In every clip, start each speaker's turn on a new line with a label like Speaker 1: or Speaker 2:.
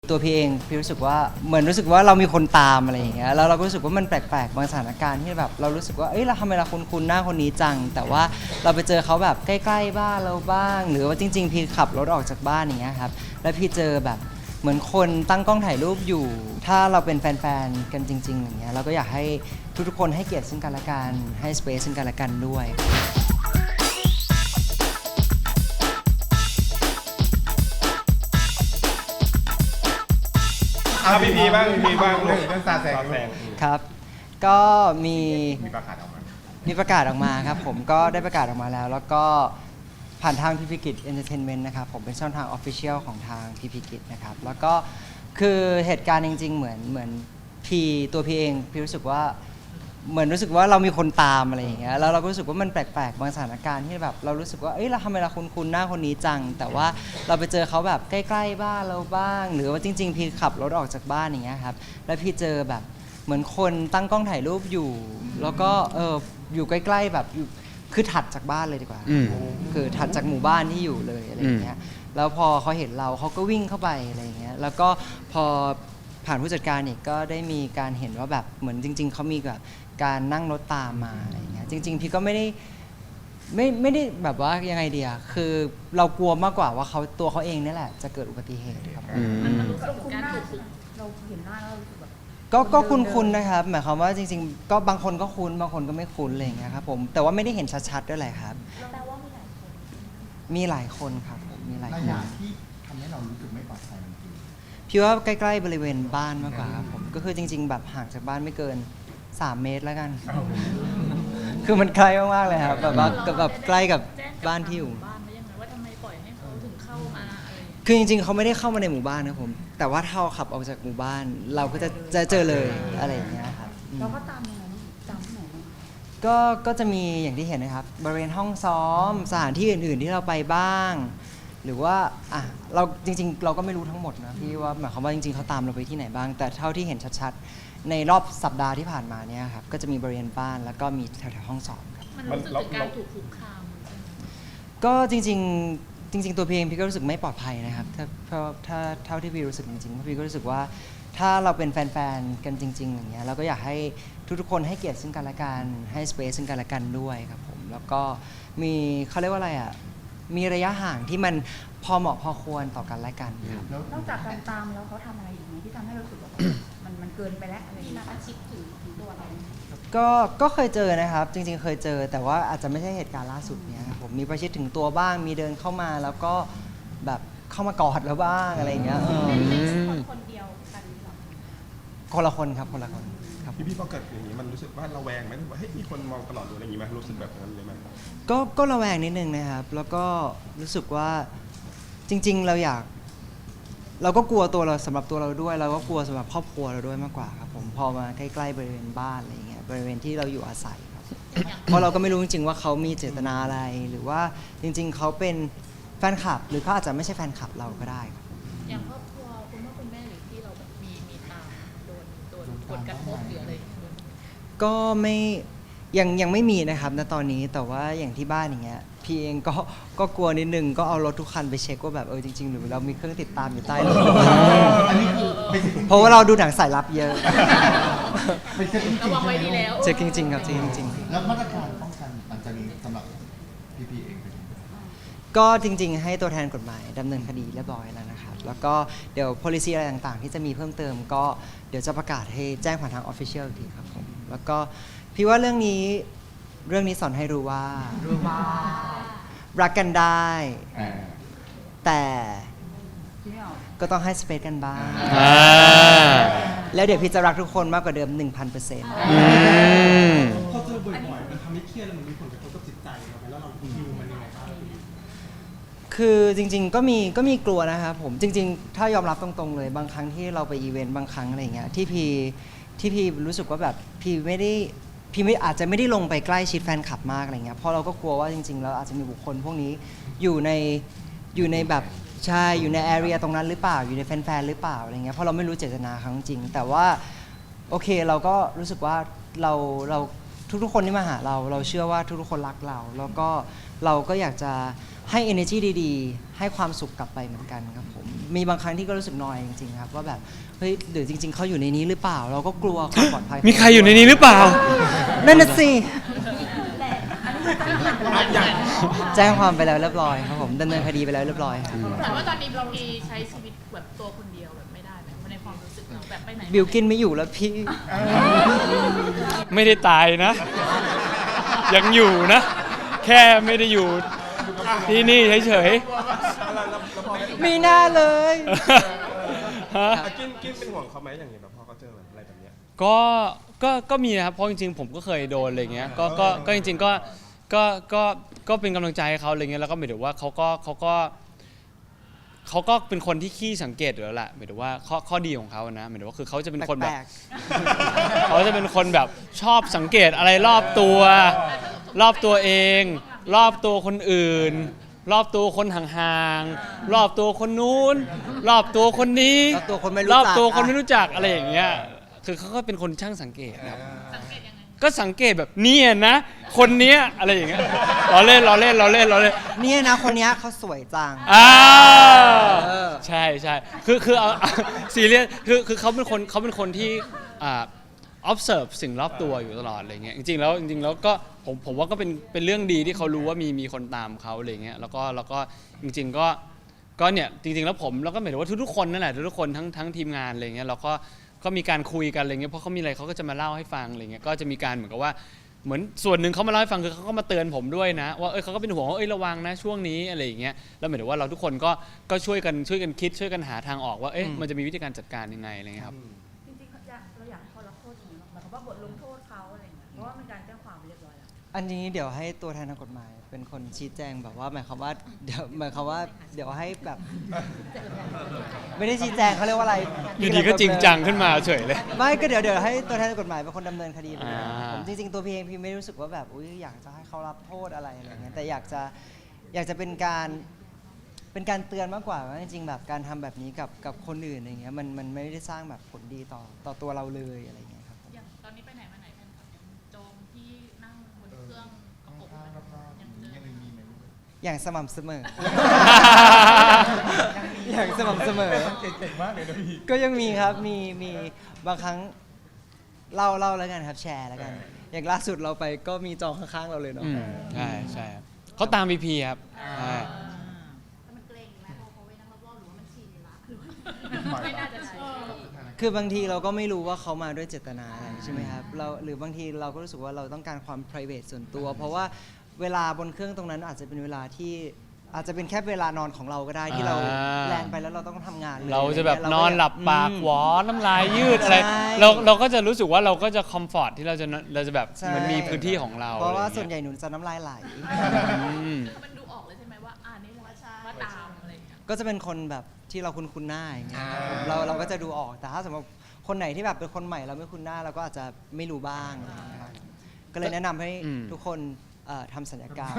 Speaker 1: ตัวพี่เองพี่รู้สึกว่าเหมือนรู้สึกว่าเรามีคนตามอะไรอย่างเงี้ยแล้วเราก็รู้สึกว่ามันแปลกๆบางสถานการณ์ที่แบบเรารู้สึกว่าเอ้ยเราทำไมเราคุ้นๆหน้าคนนี้จังแต่ว่าเราไปเจอเขาแบบใกล้ๆบ้านเราบ้างหรือว่าจริงๆพี่ขับรถออกจากบ้านอย่างเงี้ยครับแล้วพี่เจอแบบเหมือนคนตั้งกล้องถ่ายรูปอยู่ถ้าเราเป็นแฟนๆกันจริงๆอย่างเงี้ยเราก็อยากให้ทุกๆคนให้เกียรติซึ่งกันและกันให้สเปซซึ่งกันและกันด้วย
Speaker 2: พีบ้างลูก
Speaker 3: เรื่องซาแซง
Speaker 1: ครับก็มี
Speaker 3: มีประกาศออกมา
Speaker 1: มีประกาศออกมาครับผมก็ได้ประกาศออกมาแล้วแล้วก็ผ่านทางพีพีกิจเอนเตอร์เทนเมนต์นะครับผมเป็นช่องทางออฟฟิเชียลของทางพีพีกิจนะครับแล้วก็คือเหตุการณ์จริงๆเหมือนตัวพีเองพี่รู้สึกว่าเหมือนรู้สึกว่าเรามีคนตามอะไรอย่างเงี้ยแล้วเราก็รู้สึกว่ามันแปลกๆบางสถานการณ์ที่แบบเรารู้สึกว่าเอ้ยเราทำไมเราคุ้นๆหน้าคนนี้จังแต่ว่าเราไปเจอเขาแบบใกล้ๆบ้านเราบ้างหรือว่าจริงๆพี่ขับรถออกจากบ้านอย่างเงี้ยครับแล้วพี่เจอแบบเหมือนคนตั้งกล้องถ่ายรูปอยู่แล้วก็อยู่ใกล้ๆแบบอยู่คือถัดจากบ้านเลยดีกว่าคือถัดจากหมู่บ้านที่อยู่เลยอะไรอย่างเงี้ยแล้วพอเขาเห็นเราเขาก็วิ่งเข้าไปอะไรอย่างเงี้ยแล้วก็พอผ่านผู้จัดการอีกก็ได้มีการเห็นว่าแบบเหมือนจริงๆเขามีแบบการนั่งรถตามมาอะไรอย่างเงี้ยจริงๆพี่ก็ไม่ได้แบบว่ายังไงเดียคือเรากลัวมากกว่าว่าตัวเขาเองนี่แหละจะเกิดอุบัติเหตุครับ
Speaker 4: มันรู้สึกถึงการถูกเราเห็นหน้าแล้วเรารู้สึกแบบ
Speaker 1: ก็คุ้นๆนะครับหมายความว่าจริงๆก็บางคนก็คุ้นบางคนก็ไม่คุ้นอะไรอย่างเงี้ยครับผมแต่ว่าไม่ได้เห็นชัดๆด้วยแหละครับ
Speaker 4: แปลว่ามีหลายคน
Speaker 1: มีหลายคนครับผมมีหลาย
Speaker 3: ระ
Speaker 1: คน
Speaker 3: ยะที่ทำให้เรารู้สึกไม่ปลอดภัยมันคือ
Speaker 1: พี่ว่าใกล้ๆบริเวณบ้านมากกว่าครับผมก็คือจริง ๆ แบบห่างจากบ้านไม่เกิน3 เมตรแล้วกัน คือมันใกล้มากๆเลยครับแบบใกล้กับบ้านที่อยู่
Speaker 4: บ้านไว้ยังไงว่าทำไมปล่อยให้เขาถึงเข้ามาอะไรอย่างเงี้ย
Speaker 1: คือจริงๆเขาไม่ได้เข้ามาในหมู่บ้านนะผมแต่ว่าถ้าเราขับออกจากหมู่บ้าน เราก็จะเจอเลยอะไรอย่างเงี้ยครับอืม
Speaker 4: เราก็ตามยังไงตามที่ไหนบ้าง
Speaker 1: ก็จะมีอย่างที่เห็นนะครับบริเวณห้องซ้อมสถานที่อื่นๆที่เราไปบ้าง หรือว่าเราจริงๆ เราก็ไม่รู้ทั้งหมดนะพี่ว่าหมายความว่าจริงๆเขาตามเราไปที่ไหนบ้าง แต่เท่าที่เห็นชัดๆในรอบสัปดาห์ที่ผ่านมาเนี่ยครับก็จะมีบริเวณบ้านแล้วก็มีแถวๆห้องซ้อมครับ
Speaker 4: มันรู้สึกถึงการถูกคุกคาม
Speaker 1: ก็จริงๆตัวพี่เองพี่ก็รู้สึกไม่ปลอดภัยนะครับเพราะถ้าเท่าที่พี่รู้สึกจริงๆเพราะพี่ก็รู้สึกว่าถ้าเราเป็นแฟนๆกันจริงๆอย่างเงี้ยเราก็อยากให้ทุกๆคนให้เกียรติซึ่งกันและกันให้สเปซซึ่งกันและกันด้วยครับผมแล้วก็มีเขาเรียกว่าอะไรมีระยะห่างที่มันพอเหมาะพอควรต่อกันและกันครับ
Speaker 3: แล้ว
Speaker 4: นอกจากการตามแล้วเขาทำอะไรอีกไหมที่ทำให้เรารู้สึกว่ามันเกินไปแล้วอะไรอย่างเงี้ยอาชีพถึงตัวเรา
Speaker 1: ก็เคยเจอนะครับจริงๆเคยเจอแต่ว่าอาจจะไม่ใช่เหตุการณ์ล่าสุดเนี้ยครับผมมีประชิดถึงตัวบ้างมีเดินเข้ามาแล้วก็แบบเข้ามากอดแล้วบ้างอะไรอย่างเงี้ย
Speaker 4: คนเดียวกันหรอ
Speaker 1: คนละคนครับคนละคนครับ
Speaker 2: พี่พอเกิดอย่างนี้มันรู้สึกว่าระแวงไหมว่าเฮ้ยมีคนมองตลอดหรืออะไรอย่างนี้ไหมรู้สึกแบบนั้นเลยไหม
Speaker 1: ก็ระแวงนิดนึงนะครับแล้วก็รู้สึกว่าจริงๆเราก็กลัวตัวเราสำหรับตัวเราด้วยเราก็กลัวสำหรับครอบครัวเราด้วยมากกว่าครับผมพอมาใกล้ๆบริเวณบ้านอะไรอย่างเงี้ยบริเวณที่เราอยู่อาศัยครับเพราะเราก็ไม่รู้จริงๆว่าเขามีเจตนาอะไรหรือว่าจริงๆเขาเป็นแฟนคลับหรือเขาอาจจะไม่ใช่แฟนคลับเราก็ได้ครับ
Speaker 4: อย่างครอบครัวคุณพ่อคุณแม่หรือที่เราแบบมีตามโดนผลกระทบหรืออะไรอย่างเงี้ย
Speaker 1: ก็ไม่ยังไม่มีนะครับณตอนนี้แต่ว่าอย่างที่บ้านอย่างเงี้ยพี่เองก็กลัวนิดนึงก็เอารถทุกคันไปเช็คว่าแบบจริงๆหรือเรามีเครื่องติดตามอยู่ใต้รถ
Speaker 3: อันนี้คือเป็น
Speaker 1: เพราะว่าเราดูหนังสายลับเยอะ
Speaker 3: เป็นเช็คจริง
Speaker 4: ระวังไว้ดีแล้ว
Speaker 1: เช็คจริงๆครับเช็คจริง
Speaker 3: แล้วมาตรการป้องกันหลังจากนี้สำหรับพี่เองเป็นยังไง
Speaker 1: ๆก็จริงๆให้ตัวแทนกฎหมายดำเนินคดีเรียบร้อยแล้วนะครับแล้วก็เดี๋ยว policy อะไรต่างๆ ที่จะมีเพิ่มเติมก็เดี๋ยวจะประกาศให้แจ้งผ่านทาง official อีกทีครับผมแล้วก็พี่ว่าเรื่องนี้สอนให้รู้ว่ารักกันได้ แต่ก็ต้องให้สเปซกันบ้าง แล้วเดี๋ยวพี่จะรักทุกคนมากกว่าเดิม 1,000%
Speaker 5: พอเจอบ่อยๆมันทำให้เครียดแล้วมันมีผลกระทบกับจิตใจเราไหมแล้วเราดิวมันยังไงบ้าง
Speaker 1: คือจริงๆก็มีกลัวนะครับผมจริงๆ ถ้ายอมรับตรงๆเลยบางครั้งที่เราไปอีเวนต์บางครั้งอะไรเงี้ยที่พี่รู้สึกว่าแบบพี่อาจจะไม่ได้ลงไปใกล้ชิดแฟนคลับมากอะไรเงี้ยเพราะเราก็กลัวว่าจริงๆแล้วอาจจะมีบุคคลพวกนี้อยู่ในแบบใช่อยู่ในแอเรียตรงนั้นหรือเปล่าอยู่ในแฟนๆหรือเปล่าอะไรเงี้ยเพราะเราไม่รู้เจตนาเขาจริงๆแต่ว่าโอเคเราก็รู้สึกว่าเราทุกๆคนที่มาหาเราเชื่อว่าทุกๆคนรักเราแล้วก็เราก็อยากจะให้ energy ดีๆให้ความสุขกลับไปเหมือนกันครับผมมีบางครั้งที่ก็รู้สึกนอยจริงๆครับว่าแบบเฮ้ยหรือจริง ๆเขาอยู่ในนี้หรือเปล่า เราก็กลัวความปลอดภัย
Speaker 6: มีใครอยู่ในนี้หรือเปล่า
Speaker 1: นั่นน่ะสิแจ้งความไปแล้วเรียบร้อยครับผมดำเนินคดีไปแล้วเรียบร้อยครับ
Speaker 4: แต่ว่าตอนนี้เรามีใช้ชีวิตแบบตัวคนเดียวแบบไม่ได้แบบในความรู้สึกเราแบบไปไหน
Speaker 1: บิวกินไม่อยู่แล้วพี่
Speaker 6: ไม่ได้ตายนะ ยังอยู่นะ แค่ไม่ได้อยู่ที่นี่เฉย
Speaker 1: มีหน้าเลย
Speaker 6: ๆ ฮะ
Speaker 2: กินเป็นห่วงเขาไหมอย่างเงี้ยแบบพอเขาเจอแบบอะไรแบบเนี้ย
Speaker 6: ก็มีนะครับเพราะจริงๆผมก็เคยโดนอะไรเงี้ยก็จริงๆก็เป็นกำลังใจให้เขาอะไรเงี้ยแล้วก็หมายถึงว่าเขาก็เป็นคนที่ขี้สังเกตอยู่แล้วแหละหมายถึงว่าข้อดีของเขานะหมายถึงว่าคือเขาจะเป็นคนแบบ
Speaker 1: แปลก
Speaker 6: เขาจะเป็นคนแบบชอบสังเกตอะไรรอบตัวเอง รอบตัวคนอื่น รอบตัวคนห่างๆรอบตัวคนนู้น รอบตัวคนนี้
Speaker 1: รอบตัวคนไม่รู้
Speaker 6: ร
Speaker 1: จัก
Speaker 6: อบตัวคนไม่รู้จักอะไรอย่างเงี้ยคือเขาก็เป็นคนช่างสังเกตครับ
Speaker 4: สังเกตยังไง
Speaker 6: ก็สังเกตแบบเนี่ยนะ คนเนี้ยอะไรอย่างเงี้ยล้อเล่น
Speaker 1: เนี่ยนะคนเนี้ยเขาสวยจัง
Speaker 6: อ่า
Speaker 1: เออ
Speaker 6: ใช่คือเอาซีเรียสคือเขาเป็นคนที่observe สิ่งรอบตัวอยู่ตลอดอะไรเงี้ยจริงๆแล้วก็ผมว่าก็เป็นเรื่องดีที่เขารู้ว่ามีคนตามเขาอะไรเงี้ยแล้วก็จริงๆก็เนี่ยจริงๆแล้วผมแล้วก็หมายถึงว่าทุกๆคนนั่นแหละทุกๆคนทั้งทีมงานอะไรเงี้ยเราก็มีการคุยกันอะไรเงี้ยเพราะเขามีอะไรเขาก็จะมาเล่าให้ฟังอะไรเงี้ยก็จะมีการเหมือนกับว่าเหมือนส่วนหนึ่งเขามาเล่าให้ฟังคือเขาก็มาเตือนผมด้วยนะว่าเขาก็เป็นห่วงว่าระวังนะช่วงนี้อะไรอย่างเงี้ยแล้วหมายถึงว่าเราทุกคนก็ช่วยกันคิดช่วยกันหาทางออกว่ามันจะมีวิธีการจัดการยังไงอะไรเงี้ยครับ
Speaker 7: จริงๆเราอยากให้เขารับโทษจริงๆหมายความว่าบทลงโทษเขาอะไรอย่างเงี้ยเพราะว่ามันการแจ้งความไปเรียบร้อยแล้ว
Speaker 1: อันนี้เดี๋ยวให้ตัวแทนทางกฎหมายเป็นคนชี้แจงแบบว่าหมายความว่าเดี๋ยวให้แบบ ไม่ได้ชี้แจงเขาเรียกว่าอะไร
Speaker 6: อยู่ดีก็จริงจังขึ้นมาเฉยเลย
Speaker 1: ไม่ก็เดี๋ยวให้ตัวแทนทางกฎหมายเป็นคนดำเนินคดีไปเลย
Speaker 6: อ่า
Speaker 1: ผมจริงๆตัวพี่เองพี่ไม่ได้รู้สึกว่าแบบอุ๊ยอยากจะให้เขารับโทษอะไรเงี้ยแต่อยากจะเป็นการเตือนมากกว่าว่าจริงๆแบบการทำแบบนี้กับคนอื่นอะไรเงี้ยมันไม่ได้สร้างแบบผลดีต่อตัวเราเลยอะไรเงี้ยครับผม
Speaker 4: อย่างตอนนี้ไปไหนมาไหนกันครับยังโจมที่นั่งบนเครื่องกระปกยังเดิน
Speaker 1: อย่างสม่ำเสมอ อย่างสม่ำเสมอ
Speaker 2: เก่งมากเลยนะพี่
Speaker 1: ก็ยังมีครับมีบางครั้งเล่าแล้วกันครับแชร์แล้วกัน อย่างล่าสุดเราไปก็มีจองข้างๆเราเลยเนาะ
Speaker 6: ใช่ครับเขาตาม VP ครับใช่
Speaker 7: แต่มันเกรงไหมพอเขาไปนั่งรอบๆหรือว่ามันชินละ
Speaker 4: ไม่น่าจะใช่
Speaker 1: คือบางทีเราก็ไม่รู้ว่าเขามาด้วยเจตนาอะไรใช่ไหมครับหรือบางทีเราก็รู้สึกว่าเราต้องการความ private ส่วนตัว เพราะว่าเวลาบนเครื่องตรงนั้นอาจจะเป็นเวลาที่อาจจะเป็นแค่เวลานอนของเราก็ได้ที่เราแลนไปแล้วเราต้องทำงานเลย
Speaker 6: เราจะแบบ
Speaker 1: อไร
Speaker 6: น
Speaker 1: เงี้ย
Speaker 6: อนหลับปากหวอน้ำลายยืดอะไร
Speaker 1: ใช่
Speaker 6: เราก็จะรู้สึกว่าเราก็จะคอมฟอร์ตที่เราจะแบบ
Speaker 1: ใช่
Speaker 6: เหมือนมีพื้นที่ของเรา
Speaker 1: เพราะว่า
Speaker 6: อไอย่งงี้ย
Speaker 1: ส่วนใหญ่หนูจะน้ำลายไหล
Speaker 6: อืม
Speaker 4: มันดูออกเลยใช่ไหมว่านี่ว่าตามอะไรอย่างเงี้ย
Speaker 1: ก็จะเป็นคนแบบที่เราคุ้นหน้าอย่างเงี้ยครับผมเราก็จะดูออกแต่ถ้าสมมติคนไหนที่แบบเป็นคนใหม่เราไม่คุ้นหน้าเราก็อาจจะไม่รู้บ้างอะไรอย่างเงี้ยครับก็เลยแนะนำให้ทุกคนทำสัญญกรรม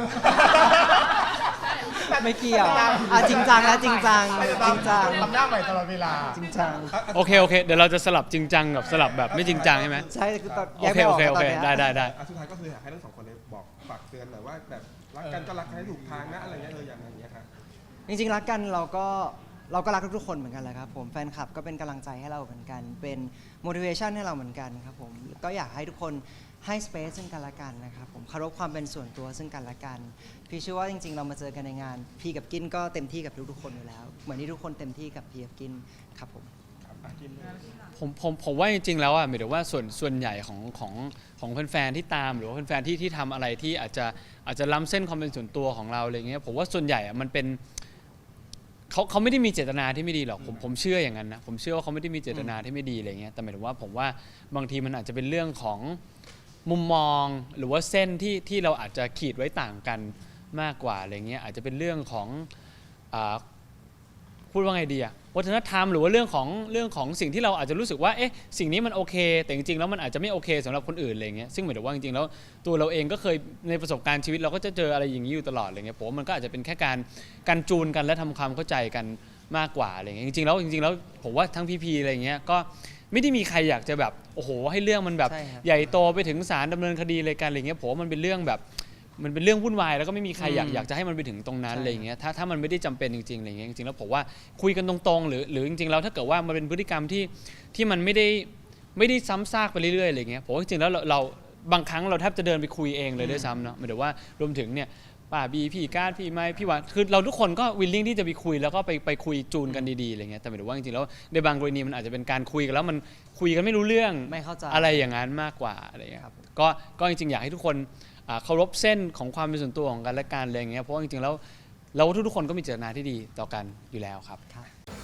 Speaker 1: ไม่เกี่ยวจริงจังแล้วจริงจัง
Speaker 3: ทำหน้าใหม่ตลอดเวลา
Speaker 1: จริงจัง
Speaker 6: โอเคเดี๋ยวเราจะสลับจริงจังกับสลับแบบไม่จริงจังใช่ไหม
Speaker 1: ใช่คือตอน
Speaker 6: โอ
Speaker 1: แยก
Speaker 6: เค
Speaker 1: ไม่อ
Speaker 6: โอ
Speaker 1: อก
Speaker 6: เค
Speaker 1: แล้วตอนเนี้ย
Speaker 6: ได้
Speaker 2: สุดท้ายก็คืออยากให้ทั้งสองคนเลยบอกฝากเตือนหน่อยว่าแบบรักกันก็รักกันให้ถูกทางนะอะไรเงี้ยอย่างเงี้ยครับ
Speaker 1: จริงๆรักกันเราก็รักทุกๆคนเหมือนกันแหละครับผมแฟนคลับก็เป็นกำลังใจให้เราเหมือนกัน เป็น motivation ให้เราเหมือนกันครับผมก็อยากให้ทุกคนให้ space ซึ่งกันและกันนะครับผมเคารพความเป็นส่วนตัวซึ่งกันและกันพี่เชื่อว่าจริงๆเรามาเจอกันในงานพี่กับกินก็เต็มที่กับทุกๆคนอยู่แล้วเหมือนที่ทุกคนเต็มที่กับพี่กับกินครับผม
Speaker 6: ผมว่าจริงๆแล้วอ่ะหมายถึงว่าส่วนใหญ่ของแฟนๆที่ตามหรือว่าแฟนๆที่ทำอะไรที่อาจจะล้ำเส้นความเป็นส่วนตัวของเราอะไรเงี้ยผมว่าส่วนใหญ่อ่ะมันเป็นเขาไม่ได้มีเจตนาที่ไม่ดีหรอกผมเชื่ออย่างนั้นนะผมเชื่อว่าเขาไม่ได้มีเจตนาที่ไม่ดีอะไรเงี้ยแต่หมายถึงว่าผมว่าบางทีมันอาจจะเป็นเรื่องของมุมมองหรือว่าเส้นที่เราอาจจะขีดไว้ต่างกันมากกว่าอะไรเงี้ยอาจจะเป็นเรื่องของพูดว่าไงดีอะวัฒนธรรมหรือว่าเรื่องของสิ่งที่เราอาจจะรู้สึกว่าสิ่งนี้มันโอเคแต่จริงๆแล้วมันอาจจะไม่โอเคสำหรับคนอื่นอะไรเงี้ยซึ่งหมายถึงว่าจริงๆแล้วตัวเราเองก็เคยในประสบการณ์ชีวิตเราก็จะเจออะไรอย่างนี้อยู่ตลอดอะไรเงี้ยผมว่ามันก็อาจจะเป็นแค่การจูนกันและทำความเข้าใจกันมากกว่าอะไรเงี้ยจริงๆแล้วผมว่าทั้งพีอะไรเงี้ยก็ไม่ได้มีใครอยากจะแบบโอ้โหให้เรื่องมันแบบ
Speaker 1: ใช่ครับ
Speaker 6: ใหญ่โตไปถึงศาลดำเนินคดีอะไรกันอะไรเงี้ยผมว่ามันเป็นเรื่องแบบมันเป็นเรื่องวุ่นวายแล้วก็ไม่มีใครอยาก
Speaker 1: อืม
Speaker 6: อยากจะให้มันไปถึงตรงนั้น
Speaker 1: ใช่
Speaker 6: อะไรอย่างเงี้ยถ้ามันไม่ได้จำเป็นจริงๆอะไรอย่างเงี้ยจริงๆแล้วผมว่าคุยกันตรงๆหรือจริงๆแล้วถ้าเกิดว่ามันเป็นพฤติกรรมที่มันไม่ได้ซ้ำซากไปเรื่อยๆอะไรอย่างเงี้ยผมว่าจริงๆแล้วเราบางครั้งเราแทบจะเดินไปคุยเองเลยด้วยซ้ำเนาะหมายถึงว่ารวมถึงเนี่ยป้าบีพี่การพี่ไม้พี่หวานคือเราทุกคนก็วิลลิ่งที่จะไปคุยแล้วก็ไปคุยจูนกันดีๆอะไรเงี้ยแต่หมายถึงว่าจริงๆแล้วในบางกรณีมันอาจจะเป็นการคุยกันแล้วมันคุยกันไม่รู้เรื่อง
Speaker 1: ไม่เข้าใจ
Speaker 6: อะไรอย่างนั้นมากกว่าอะไรเงี้ย
Speaker 1: ครับ
Speaker 6: ก็จริงๆอยากให้ทุกคนเคารพเส้นของความเป็นส่วนตัวของกันและกันอะไรเงี้ยเพราะว่าจริงๆแล้วทุกๆคนก็มีเจตนาที่ดีต่อกันอยู่แล้วครับ
Speaker 1: ครับ